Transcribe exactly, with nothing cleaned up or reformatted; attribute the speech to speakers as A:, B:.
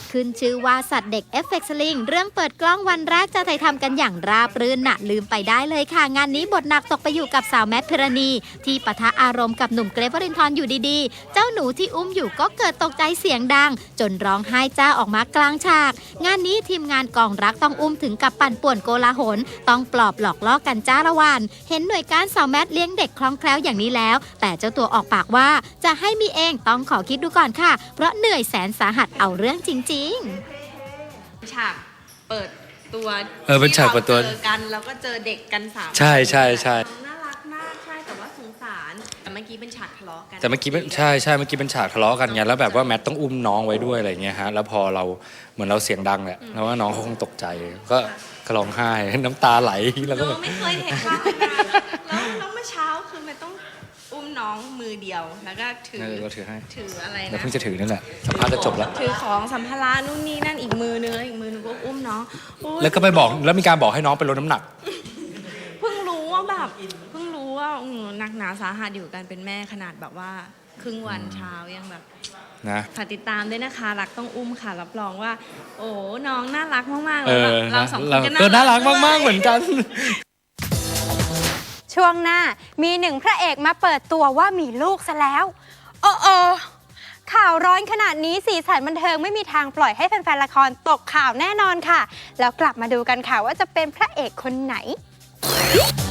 A: ขึ้นชื่อว่าสัตว์เด็กเอฟเฟกต์สลิงเรื่องเปิดกล้องวันแรกจะถ่ายทำกันอย่างราบรื่นน่ะลืมไปได้เลยค่ะงานนี้บทหนักตกไปอยู่กับสาวแมทพิรณีที่ปะทะอารมณ์กับหนุ่มเกรฟวรินทร์อยู่ดีๆเจ้าหนูที่อุ้มอยู่ก็เกิดตกใจเสียงดังจนร้องไห้จ้าออกมากลางฉากงานนี้ทีมงานกองรักต้องอุ้มถึงกับปั่นป่วนโกลาหลต้องปลอบหลอกล่อกันจ้าละวันเห็นหน่วยการสาวแมทเลี้ยงเด็กคล่องแคล่วอย่างนี้แล้วแต่เจ้าตัวออกปากว่าจะให้มีเองต้องขอคิดดูก่อนค่ะเพราะเหนื่อยแสนสาหัสเอาเรื่องจริงๆ
B: ฉากเปิดตัว
C: เออเป็นฉากเปิดตัว
B: เจอกันแล้วก็เจอเด็กกันสาม
C: ใช่ใช่ใช่
B: น่ารักมากใช่แต่ว่าสงสารแต่เมื่อกี้เป็นฉากทะเลาะกัน
C: แต่เมื่อกี้เป็นใช่ใช่เมื่อกี้เป็นฉากทะเลาะกันไงแล้วแบบว่าแมทต้องอุ้มน้องไว้ด้วยอะไรเงี้ยฮะแล้วพอเราเหมือนเราเสียงดังแหละแล้วว่าน้องเขาคงตกใจก็ก็ร้องไห้น้ำตาไหลแล้วก็
B: เรา
C: แบบ
B: ไม่เคยเห็นภาพแบบนั้นแล้วแล้วเมื่อเช้าคือมันต้องอุ้มน้องมือเดียวแล้วก็ถือ
C: เออเราถือให้
B: ถืออะไร
C: เรา
B: นะ
C: เพิ่งจะถือนั่นแหละสัมภาษณ์จะจบแล้ว
B: ถือของสัมภาระนู่นนี่นั่นอีกมือนึงแล้วอีกมือนึงก็อุ้มน้องโอ๊ย
C: แล้วก็ไปบอกแล้วมีการบอกให้น้องไปลดน้ำหนัก
B: เพิ่งรู้ว่าแบบเพิ่งรู้ว่าอืมหนักหนาสาหัสอยู่กันเป็นแม่ขนาดแบบว่าครึ่งวันเช้ายังแบบ
C: นะ
B: ฝากติดตามด้วยนะคะรักต้องอุ้มค่ะรับรองว่า โอ้น้องน่ารักมากๆ
C: เอ
B: เลย
C: อ
B: แบบเราสองคนก็
C: เออน่ารัก
B: ด้วย
C: มากๆเหมือนกัน
D: ช่วงหน้ามีหนึ่งพระเอกมาเปิดตัวว่ามีลูกซะแล้วโอ้โอข่าวร้อนขนาดนี้สีสันบันเทิงไม่มีทางปล่อยให้แฟนๆละครตกข่าวแน่นอนค่ะ แล้วกลับมาดูกันค่ะว่าจะเป็นพระเอกคนไหน